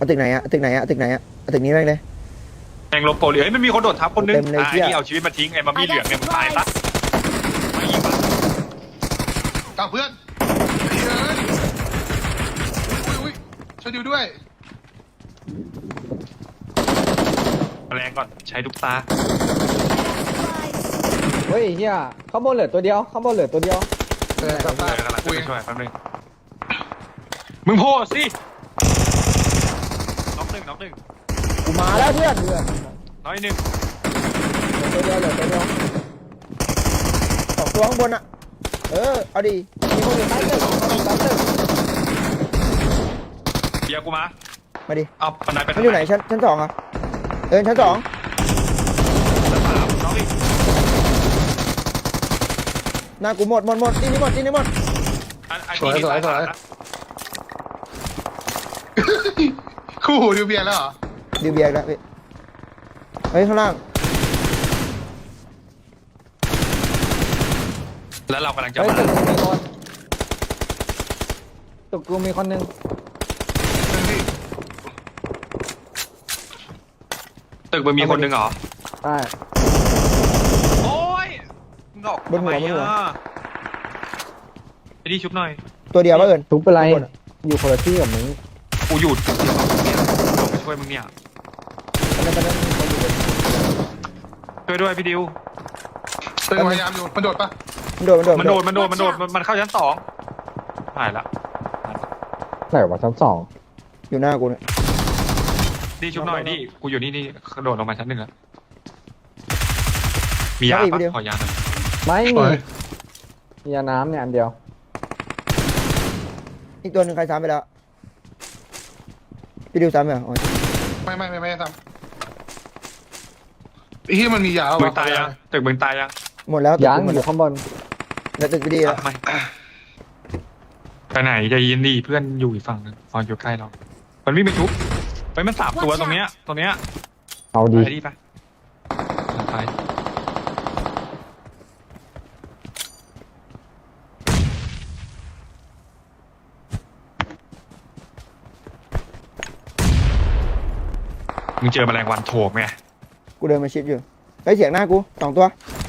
เอาตึกไหนอะตึกไหนอะตึกไหนอะเอาตึกนี้แม่งเลยแมงลบโปรเหลือมันมีคนโดดทับคนนึงเต็มเลยไอ้เหี้ยนี่เอาชีวิตมาทิ้งไอ้มามีเหลืองเนี่ยมึงตายปะไม่ยิงปะกลับเพื่อนเฮ้ยอุ้ยช่วยดิวด้วยแรงก่อนใช้ลูกตาเฮ้ยเฮียข้างบนเหลือตัวเดียวข้างบนเหลือตัวเดียวกลับเอบ้านอกำลังจะคุยไปช่วยแป๊บนึงมึงโพสสิน็อกหนึ่งกูมาแล้วเพื่อนน้อยหนึ่งเหลือตัวเดียวเหลือตัวเดียวสองตัวข้างบนอะเอาดิมีคนอยู่ใต้ตึกใต้ตึกเบียร์กูมามาดิเอาปันไดไปมันอยู่ไหนชั้นสองอะชั้นสองชั้นสามน้องอีกหน้ากูหมดที่นี่หมดอันนี้มีสายสามนะคู่หูดิวเบียร์แล้วเหรอดิวเบียร์แล้วพี่เฮ้ยข้างล่างแล้วเรากำลังจะเฮ้ยมาตึกมีคนตึกกูมีคนนึงตึกมึงมีคนหนึ่งเหรอใช่โอ้ยมึงออกทำไมอ่ะไอ้นี่ชุบหน่อยตัวเดียวป่ะทุบเป็นไรข้างบนอะอยู่คนละที่กับมึงกูหยุดเนี่ยลงไปช่วยมึงเนี่ยตอนนั้นมีคนอยู่เลยช่วยด้วยพี่ดิวตึงพยายามอยู่มันโดดปะมันโดดมันเข้าชั้นสองหายละไหนวะชั้นสองอยู่หน้ากูเนี่ยนี่ชุบหน่อยนี่กูอยู่นี่กระโดดลงมาชั้นหนึ่งแล้วมียาปะขอยาหน่อยไม่มีมียาน้ำเนี่ยอันเดียวอีกตัวหนึ่งใครซ้ำไปแล้วพี่ดิวซ้ำไปเหรออ๋อไม่ทำไอ้ที่มันมียาวมึงตายยังตึกมึงตายยังหมดแล้วตึกยังกูหมดอแล้วยู่ข้างบนแล้วตึกพี่ดีแล้วไม่ไปไหนใจเย็นดีเพื่อนอยู่อีกฝั่งนึงตอนอยู่ใกล้เรามันวิ่งไปชุบไปมันสามตัวตรงเนี้ยเอาดีไปดิไปไปมึงเจอแมลงวันโถมไงกูเดินมาชิดอยู่เฮ้ยเสียงหน้ากูสองตัว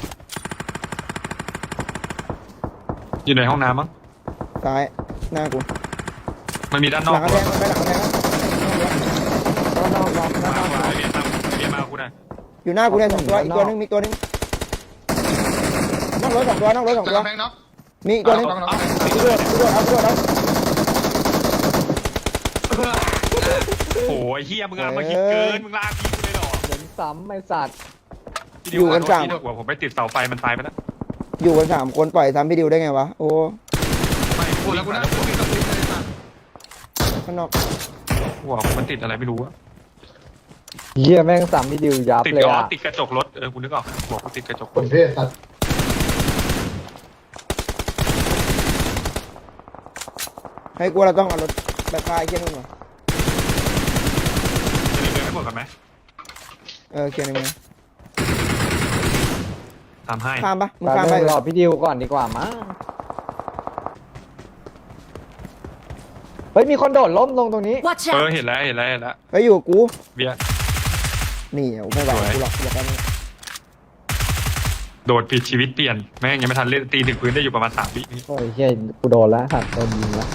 อยู่ในห้องน้ำมั้งซ้ายหน้ากูมันมีด้านนหอกลังกระแทกมันไปหลังกระแทกนะมาเบียร์มากูหน่อยอยู่หน้ากูเนี่ยสองตัวอีกตัวหนึงมีตัวหนึงนั่งรถสองตัวจากกำแพงน็อกมีอีกตัวหนึงน็อกกูโดดเอาโอ้ยเฮียมึงมาคิดเกินมึงลากพี่กูเลยหรอเหมือนซ้ำไม่สัตว์อยู่กันสามหัวผมไปติดเสาไฟมันตายไปแล้วอยู่กัน3 คนปล่อยซ้ำพี่ดิวได้ไงวะโอ้ไม่กูแล้วกูนะกูมีตะปูเลยสัตว์ข้างนอกหัวผมมันติดอะไรไม่รู้อะเฮียแม่งซ้ำพี่ดิวยับติดเลยล้ออ่ะติดกระจกรถกูนึกออกหัวกูติดกระจกครนถเทศสัตว์ให้กูเราต้องเอารถไปคลายเคลียร์นู่นเหรอจะเดินไม่หมดกันไหมเคลียร์ในเมืองทำให้ข้ามปะมึงแต่ข้ามไปรอพี่ดิวก่อนดีกว่ามั้งเฮ้ยมีคนโดดล้มลงตรงนี้ Watch out! เห็นแล้วไปอยู่กับกูเบียร์นี่ไม่ไหวกูหรอกอยากได้โดดผิดชีวิตเปลี่ยนแม่งยังไม่ทันเล่นตีถึงพื้นได้อยู่ประมาณ3 วิโอ้ยเฮียกูโดนแล้วสัตว์โดนยิงแล้ว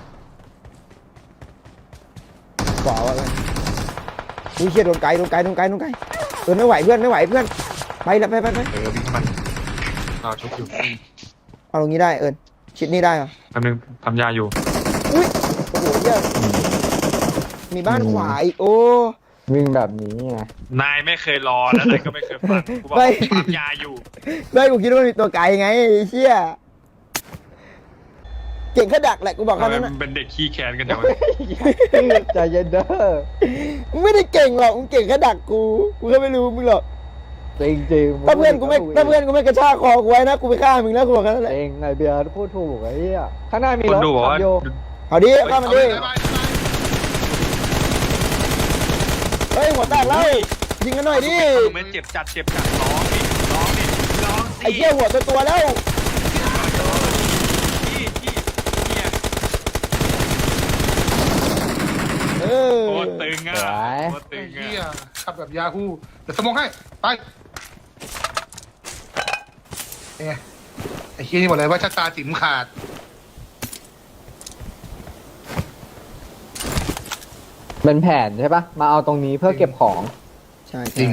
ขวาว่ะอุ้ยเชี่ยโดนไกลไม่ไหวเพื่อนไปแล้วไปวิ่งมันเราชุบอยู่เอาตรงนี้ได้ชิดนี่ได้เหรอแป๊บนึงทำยาอยู่อุ้ยโอ้โหเหี้ยมีบ้านขวาอีกโอ้วิ่งแบบนี้ไงนายไม่เคยรอแล้วนายก็ไม่เคยฟังกูบอกว่าทำยาอยู่ไม่กูคิดว่ามีตัวไกลไงไอ้เชี่ยเก่งแค่ดักแหละกูบอกทำแค่ไมนั้นมันะนเป็นเด็กขี้แค้นกันจังวะใจเย็นเด้อมึงไม่ได้เก่งหรอกมึงเก่งแค่ดักกูก็ไม่รู้มึงหรอกจริงจริงถ้าเพื่อนกูไม่กระชากคอกูไว้นะกูไปฆ่ามึงแล้วกูบอกแค่นั้นแหละเองไงเบียร์พูดถูกไอ้เหี้ยข้างหน้ามีคนรถดูบอกว่าขับโยเอาดิฆ่ามันดิบายเฮ้ยหัวแตกแล้วยิงกันหน่อยดิมันเจ็บจัดร้องสิร้องสิไอ้เหี้ยหัวตัวแล้วที่เนี่ยเออโคตรตึตึงอ่ะสวยโคตรตึไอ้งเหี้ยอ่ะขับแบบยาฮูเดี๋ยวสมองให้ไปไงไอ้เหี้ยนี่บอกเลยว่าชะตาจิ๋มขาดเป็นแผนใช่ปะมาเอาตรงนี้เพื่อเก็บของใช่จริง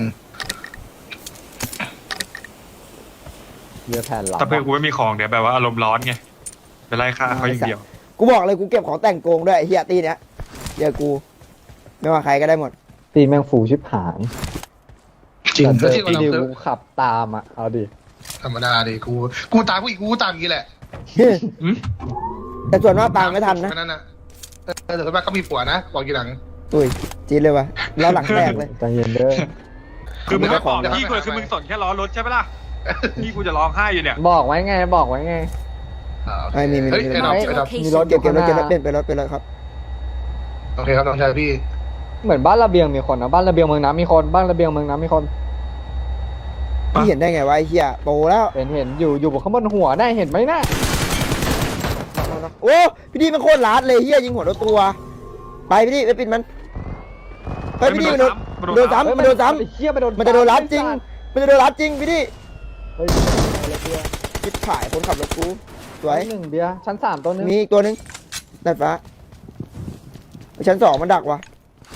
เรือแผนหลังถ้าเพื่อนกูไม่มีของเดี๋ยวแบบว่าอารมณ์ร้อนไงไปไล่ฆ่าเขาอย่างเดียวกูบอกเลยกูเก็บของแต่งโกงด้วยไอ้เฮียตีเนี้ยเดี๋ยวกูไม่ว่าใครก็ได้หมดตีแมงฟูชิบหายจริงแต่แล้วเจที่อเราพี่ดิวเจอกูขับตามอ่ะเอาดิธรรมดาดิกูตามผู้หญิงกูตามอย่างนี้แหละอืมแต่ส่วนมากตามไม่ทันนะแค่นั้นนะแต่ส่วนมากก็มีผัวนะบอกทีหลังอุ้ยจีดเลยวะแล้วหลังแตกเลยใจเย็นเด้อคือมึงไม่บอกเดี๋ยวพี่กูคือมึงสนแค่ล้อรถใช่ปะล่ะพี่กูจะร้องไห้อยู่เนี่ยบอกไว้ไงบอกไว้ไงไม่มีเฮ้ยไอ้ดอกไม่ไอ้ดอกมีรถอเก็บยู่เก็บข้างรหถน้าเก็บรถเป็นรถเป็นรถครับโอเคครับน้องชายพี่เหมือนบ้านระเบียงมีคนนะบ้านระเบียงเมืองน้ำมีคนบ้านระเบียงเมืองน้ำมีคนพี่เห็นได้ไงวะไอ้เฮียโตแล้วเห็นอยู่บนข้างบนหัวได้เห็นไหมน่ะโอ้พี่ดีมันโคตรลาดเลยเฮียยิงหัวรถตัวไปพี่ดีไปปิดมันเฮ้ยพี่ดีมันโดนซ้ำมันโดนซ้ไอ้เหี้ยไปโดนำมันจะโดนรัดจริงมันจะโดนรัดจริงพี่ดีเฮ้ยคิดขายคนขับรถกูสวยหนึ่งเบียร์ชั้น3ตัวนึงมีอีกตัวหนึงดาดฟ้าชั้น2มันดักว่ะ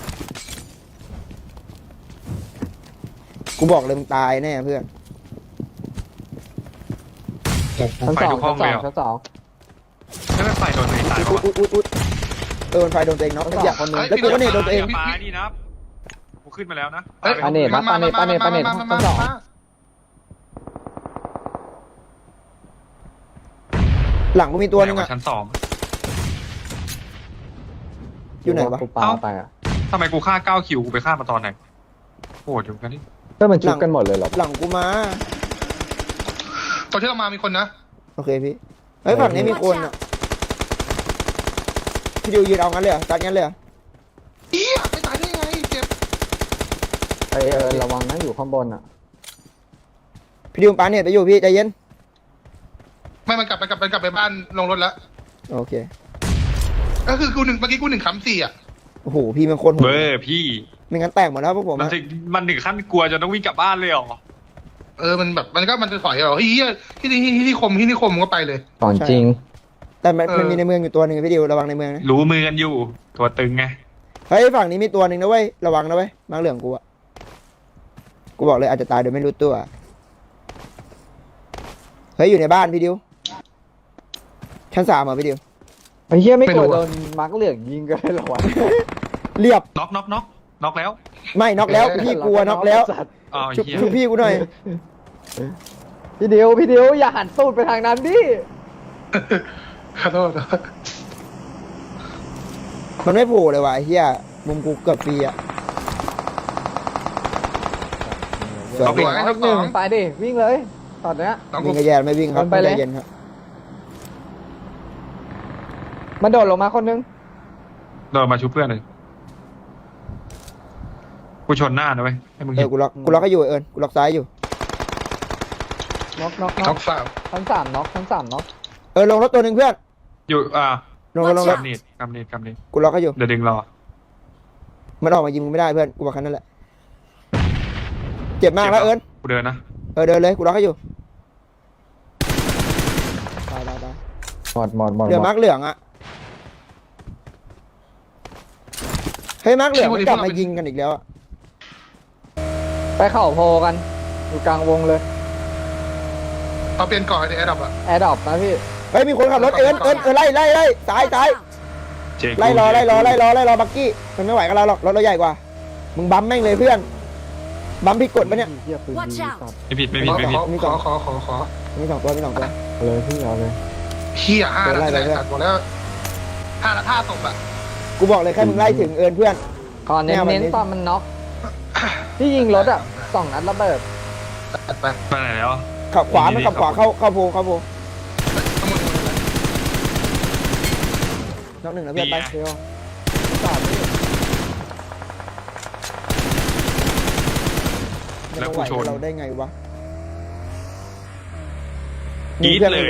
กูบอกเลยมึงตายแน่เพื่อนชั้นไฟสองทุกห้องเลยเหรอชั้นสองไม่เป็นไฟโดนตัวเองตายปะอุ๊วะดมันไฟโดนตัวเองเนาะอย่าคนหนึงแล้วกูก็เนี่ยโดนตัวเองปลานี่นะกูขึ้นมาแล้วนะเฮ้ยปาเนตนะปาเนตชั้นสองหลังกูมีตัวหนึงอะชั้น2 อยู่ไหนวะกูปาไปอ่ะทำไมกูฆ่า9คิวกูไปฆ่ามาตอนไหนโหดอยู่กันนี่เพื่อนมันชุบกันหมดเลยเหรอหลังกูมาตอนที่เรามามีคนนะโอเคพี่เฮ้ยฝั่งนี้มีคนอะพี่ดิวยืนเอางั้นเลยเหรอตัดงั้นเลยเหรอเอี้ยไม่ตายได้ไงเจ็บระวังนะอยู่ข้างบนอ่ะพี่ดิวปาเนี่ยไปอยู่พี่ใจเย็นไม่มันกลับไปบ้านลงรถแล้วโอเคก็คือกูหนึ่งเมื่อกี้กู1 3 4อ่ะโอ้โหพี่มันคนโหเบ้ดอพี่ไม่งั้นแตกหมดแล้วพวกผมมันอะถึงขั้นกลัวจนต้องวิ่งกลับบ้านเลยเหรอมันแบบมันจะถอยเหรอเฮียที่นิคมก็ไปเลยก่อนจริงแต่มันมีในเมืองอยู่ตัวหนึ่งพี่ดิวระวังในเมืองนะรู้มือกันอยู่ตัวตึงไงเฮ้ยฝั่งนี้มีตัวหนึ่งนะเว้ยระวังนะเว้ยมาเหลืองกูอะกูบอกเลยอาจจะตายโดยไม่รู้ตัวเฮ้ยอยู่ในบ้านพี่ดิวชั้น3เหรอพี่ดิวไอ้เหี้ยไม่ไม่กรู้ลัวอะโดนมาร์กเหลืองยิงกันเลยเหรอวะเรียบน็อกแล้วไม่น็อกแล้วพี่กลัวน็อกแล้วอ้าวชุบเฮียชุบพี่กูหน่อยพี่เดียวอย่าหันตูดไปทางนั้นดิขอโทษมันไม่โผล่เลยว่ะไอ้เฮียมุมกูเกือบฟรีอะเอาไปน็อกหนึ่งไปดิวิ่งเลยตอนเนี้ยน้องวิ่กูงกระแยนไม่วิ่งครับไปเลยใจเย็นครับมันโดดลงมาคนนึงเดินมาชุบเพื่อนเลยกูชนหน้านะเว้ยให้มึงเอเห็อน กูล็อกให้อยู่เอิญกูล็อกซ้ายอยู่น็อกน้องสาวชั้นสามน็อกลงรถตัวหนึ่งเพื่อนอยู่ลงรถกำเนิดกูล็อกให้อยู่เดี๋ยวดึงรอมันออกมายิงมึงไม่ได้เพื่อนกูบอกแค่นั้นแหละเจ็บมากแล้วเอิญกูเดินนะเดินเลยกูล็อกให้อยู่ตายหมดเหลือมาร์กเหลืองอะเฮ้ยมาร์กเหลืองมันกลับมายิงกันอีกแล้วอะไปเข่าโพกันอยู่กลางวงเลยเอาเปลี่ยนก่อนในแอร์ดับอ่ะแอร์ดรอปนะพี่เฮ้ยมีคนขับรถเอิญไล่ซ้ายเจ๊กูไล่รอบักกี้มันไม่ไหวกับเราหรอกรถเราใหญ่กว่ามึงบัมแม่งเลยเพื่อนบัมผิดกฎปะเนี่ยเหี้ยปืน Watch ดี out สัตว์ไม่ผิดขอมีสองตัวเอาเลยพี่เอาเลยเฮีย5 เดี๋ยวไล่แล้วไปเรื่อยตัดหมดแล้ว5 ศพอ่ะกูบอกเลยแค่มึงไล่ถึงเอิญเพื่อนก่อนเน้นตอนมันน็อกที่ยิงรถอ่ะ2 นัดระเบิดตัดไปไปไหนแล้วขับขวามันขับขวาเข้าโพน็อกหนึ่งนะเพื่อนไปเดียวแล้วกูชนเราได้ไงวะกรี๊ดเลย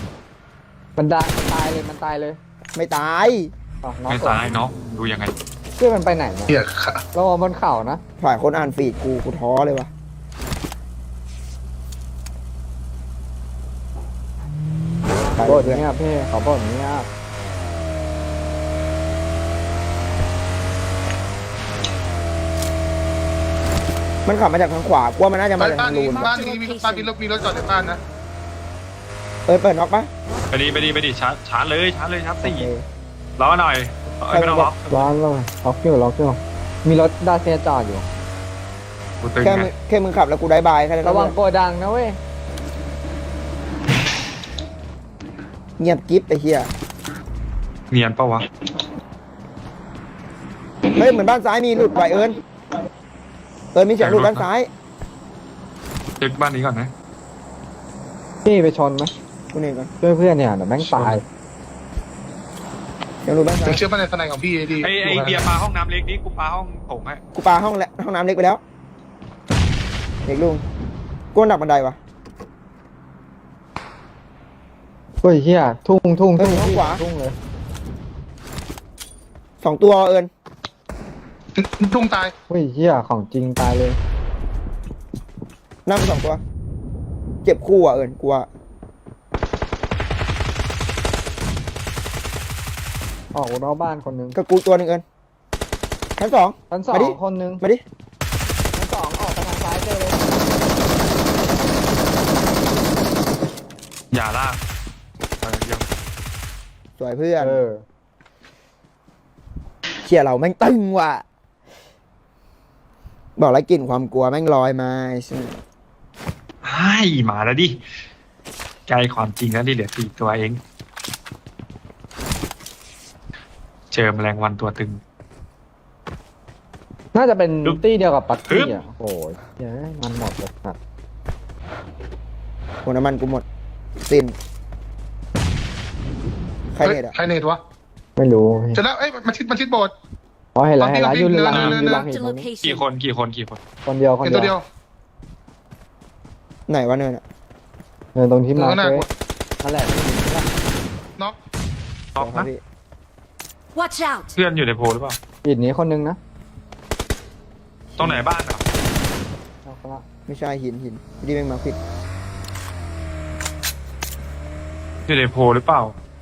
มันตายเลยไม่ตายอ๋อน็อกไม่ซ้ายเนาะดูยังไงเพื่อนมันไปไหนเนี่ยเหี้ยค่ะเราเอาบนเขานะฝ่ายคนอ่านฟีดกูท้อเลยวะไปบ่นเพื่อนเงียบพี่เขาบ่นเงียบมันขับมาจากทางขวากลัวมันน่าจะมาจากบ้านทางนี้รูนบ้านนี้มีบ้านมีรถจอดในบ้านนะเปิดน็อกปะไปดิชาร์จเลยชาร์จโอสี่เครอหน่อยไม่ต้องล็อกร้อนเลยล็อกอยู่มีรถดาเซียจอดอยู่กูตึงแค่ไงแค่มึงขับแล้วกูได้บายแค่นั้นระวังโกดังนะเว้ยเงียบกิ๊บไอ้เหี้ยเนียนเปล่าวะเฮ้ยเหมือนบ้านซ้ายมีหลุดไหวเอิญมีเสียงหลุดด้านซ้ายเช็คบ้านนี้ก่อนนะพี่ไปชนไหมกูเนี่ยก่อนช่วยเพื่อนเนี่ยเดี๋ยวแม่งตายเสียงหลุดด้านซ้าผมยเชื่อมั่นในทนายของพี่ดีไอ้เบียร์ปลาห้องน้ำเล็กนี้กูปลาห้องโถงให้กูปาห้องน้ำเล็กไปแล้วเด็กลุงกูหนักบันไดวะเฮ้ยเฮียทุ่งเฮ้ยทุ่งขวาทุ่งเลย 2 ตัวเอิญทุ่งตายเฮ้ยเฮียของจริงตายเลยนั่ง2 ตัว เจ็บคู่อ่ะเอิญกูว่าออกนอกบ้านคนนึงกับกูตัวหนึงเอิญชั้น 2 ชั้นสอมาดิงคนนึงมาดิชั้นสองออกไปทางซ้ายเจอเลยอย่าลากยังสวยเพื่อนเออเชี่ยเราแม่งตึงว่ะบอกแล้วกลิ่นความกลัวแม่งลอยมาใช่ไหมให้มาแล้วดิใกล้ความจริงแล้วดิเหลือ4 ตัวเองเจอแมลงวันตัวตึงน่าจะเป็นฮึบตี้เดียวกับปัตฮึตี้บอ่ะโอ้ยเหี้ยมันหมดเลยครับหัวน้ำมันกูหมดสิ้นใครเน็ตอ่ะใครเนตวะไม่รู้จะแล้วเอ้ยมันชิดโบสถ์อ๋อเห็นแล้วตอนที่ยืนหลังเดินยืนหลัง Marked เห็ a นตรงนี้กี่ location. คนคนเดียวเห็นตัวเดียวไหนวะเนินอ่ะเดินตรงที่มาเออน่าเว้ยนั่นแหละน็อกล็อกครันะบพี่ Watch out! เพื่อนอยู่ในโพลหรือเปล่าปิดนี้คนนึงนะตรงไหนบ้านอ่ะเอาไปละไม่ใช่หินพี่แม่งมาผิดอยู่ในโพลหรือเปล่า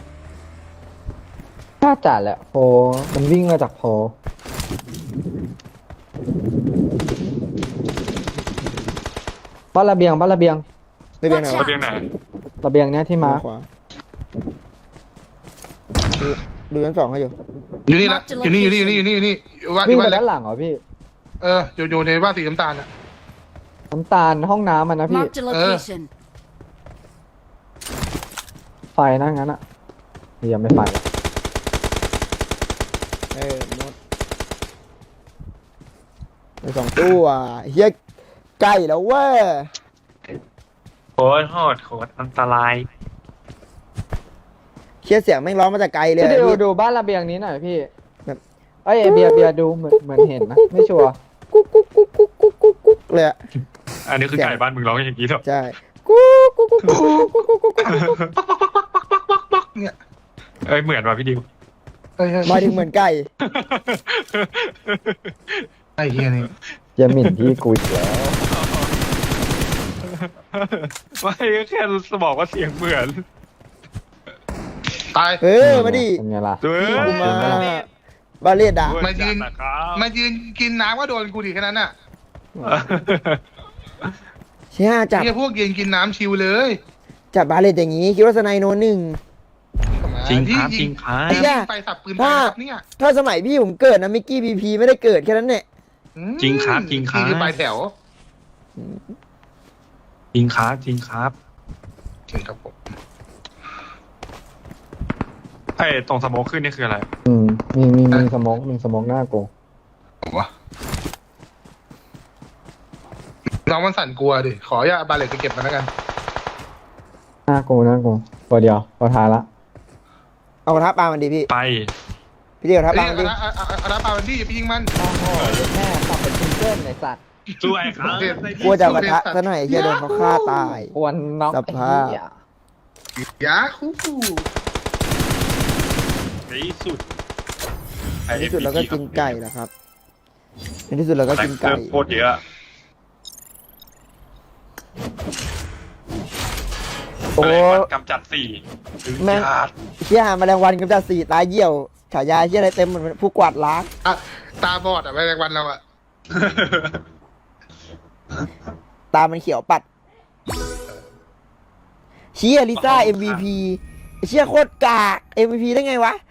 น่าจะแหละโพมันวิ่งมาจากโพบ้านระเบียงระเบียงไหน Watch วะระเบียงไหนระเบียงเนี้ยที่มาขวาดูชั้น 2ให้อยู่อยู่นี่ละอยู่นี่ว่าวิ่งไปเล็ด้าก นหลังเหรอพี่อยู่ในบ้านสีน้ำตาลอ่ะน้ำตาลห้องน้ำมันนะพี่ Marked a location. ไฟนะงั้นอะยังไม่ไฟหมดไป2 ตัวเฮียใกล้แล้วเว้ยโคตรโหดโคตรอันตรายเชี่ยเสียงแม่งร้องมาจากไกลเลยพี่อะดูพี่ดูบ้านระเบียงนี้หน่อยพี่แบบเอ้ยเบียร์ดูเหมือนเห็นนะไม่ชัวร์กุ๊กเลยอะอันนี้คือไก่บ้านมึงร้องอย่างนี้เหรอใช่กุ๊กเนี่ยเอ้ยเหมือนว่ะพี่ดิวหมายถึงเหมือนไก่ไอ้เฮียนี่อย่าหมิ่นพี่กูอีกแล้วไม่แค่บอกว่าเสียงเหมือนตายมาดิเป็นไงล่ะเฮ้ยกูมาบาเลดอะมายืนนะครับมายืนกินน้ำก็โดนกูดิแค่นั้นน่ะเชี่ยจับเฮียพวกยืนกินน้ำชิวเลยจับบาเลดอย่างงี้คิดว่าสไนโนหนึ่งจริงครับจริงครับไอ้เหี้ยไปสับปืนไปครับเนี่ยถ้าสมัยพี่ผมเกิดนะมิกกี้พีพีไม่ได้เกิดแค่นั้นเนี่ยจริงครับจริงครับนี่คือปลายแถวจริงครับจริงครับจริงครับผมไอ้ตรงสโมกขึ้นนี่คืออะไรมีสมองหน้ากูวะน้องมันสั่นกลัวดิขออย่าบาเลตไปเก็บมันแล้วกันหน้ากูตัวเดียวตัวท้ายละเอากระทะปลามันดีพี่ไปพี่เดียวกระทะปลาเอ้ยมันดีอาราปาวันดี้อย่าไปยิงมันโอ้โหแม่ตับเป็นซิงเกิลในสัตว์สวยครับกลัวจะเอากระทะซะหน่อยเฮียโดนเขาฆ่าตายควรน็อกสภาพไอ้เหี้ยยาคูในที่สุดในที่สุดเราก็กินไก่แล้วครับในที่สุดเราก็กินไก่โคตรเยอะโอ้แมลงวันกำจัด4 แม่ง เชี่ยแมลงวันกำจัด4ตายเหี่ยวฉายาเชี่ยอะไรเต็มเหมือนผู้กวาดล้างอ่ะตาบอดอ่ะแมลงวันเราอ่ะตามันเขียวปัดเชี่ยลิซ่า MVP เชี่ยโคตรกาก MVP ได้ไงวะ